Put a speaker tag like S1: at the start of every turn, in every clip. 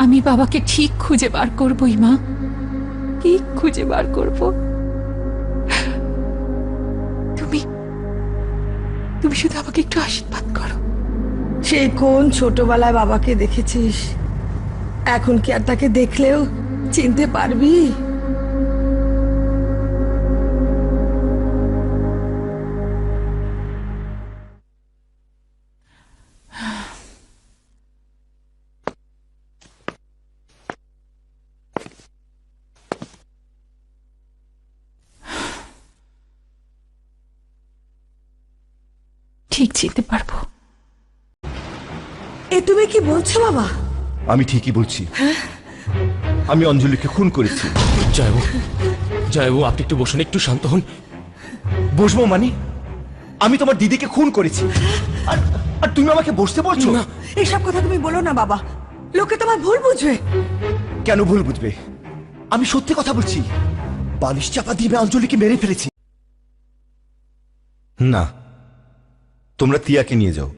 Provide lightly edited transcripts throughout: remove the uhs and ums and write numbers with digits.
S1: আমি বাবাকে ঠিক খুঁজে বার করবই মা, ঠিক খুঁজে বার করব। তুমি তুমি শুধু আমাকে একটু আশীর্বাদ করো।
S2: সেই কোন ছোটবেলায় বাবাকে দেখেছিস, এখন কি আর তাকে দেখলেও চিনতে পারবি?
S1: ঠিক চিনতে পারবো।
S2: এ তুমি কি বলছো বাবা?
S3: আমি ঠিকই বলছি, আমি অঞ্জলিকে খুন করেছি।
S4: জয়বু আপনি একটু বসুন, একটু শান্ত হন।
S3: বসবো মানে? আমি তোমার দিদিকে খুন করেছি, আর আর তুমি আমাকে বসতে বলছো?
S4: না।
S2: এসব কথা তুমি বলো না বাবা, লোকে তোমার ভুল বুঝবে।
S3: কেন ভুল বুঝবে? আমি সত্যি কথা বলছি, বালিশ চাপা দিয়ে অঞ্জলিকে মেরে ফেলেছি। না, তোমরা তিয়াকে নিয়ে যাও।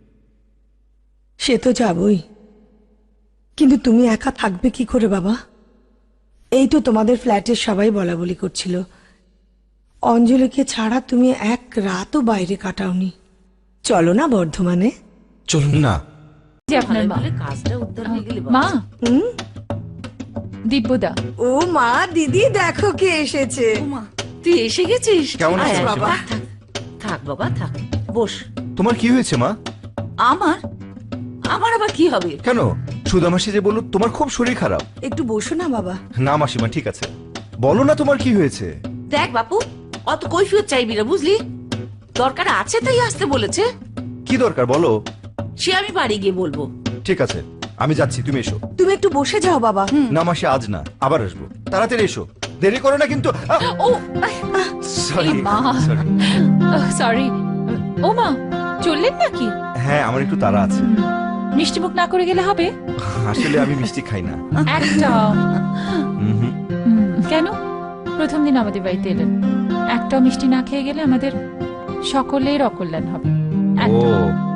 S2: সে তো যাবই, কিন্তু তুমি একা থাকবে কি করে বাবা? এই তো তোমাদের ফ্ল্যাটের সবাই বলা বলি করছিল, অঞ্জলিকে ছাড়া তুমি এক রাতও বাইরে কাটাওনি। চলো না বর্ধমানে।
S4: চলুন
S3: না,
S1: যে আপনার মা। মা, দিব্যদা।
S2: ও মা, দিদি দেখো কে এসেছে।
S5: তুই এসে গেছিস?
S3: কেমন আছো
S5: আয়,
S2: বাবা?
S5: থাক, থাক বাবা থাক, বস।
S3: তোমার কি হয়েছে মা?
S5: আমার আমার আবার কি হবে?
S3: কেন, সুধা মাসি যে বললো তোমার খুব শরীর খারাপ।
S2: একটু বসো না বাবা।
S3: না মাসিমা, ঠিক আছে, বলো না তোমার কি হয়েছে।
S5: দেখ বাপু, অত কৈফিয়ত চাইবি না, বুঝলি? দরকার আছে তাই আসতে বলেছে।
S3: কি দরকার বলো?
S5: সে আমি বাড়ি গিয়ে বলবো।
S3: ঠিক আছে, আমি যাচ্ছি, তুমি এসো।
S2: তুমি একটু বসে যাও বাবা।
S3: না মাসি, আজ না, আবার আসবো, তাড়াতাড়ি এসো, দেরি করো না কিন্তু।
S5: ও
S3: সরি
S1: এই মা। সরি। ও মা, চললেন নাকি?
S3: হ্যাঁ, আমার একটু তাড়া আছে।
S1: মিষ্টিমুখ না করে গেলে হবে?
S3: আসলে আমি মিষ্টি খাই না।
S1: একটা।
S3: হুম।
S1: কেন? প্রথম দিন আমাদের বাড়িতে এলেন, একটা মিষ্টি না খেয়ে গেলে আমাদের সকলের অকল্যাণ হবে।
S3: ও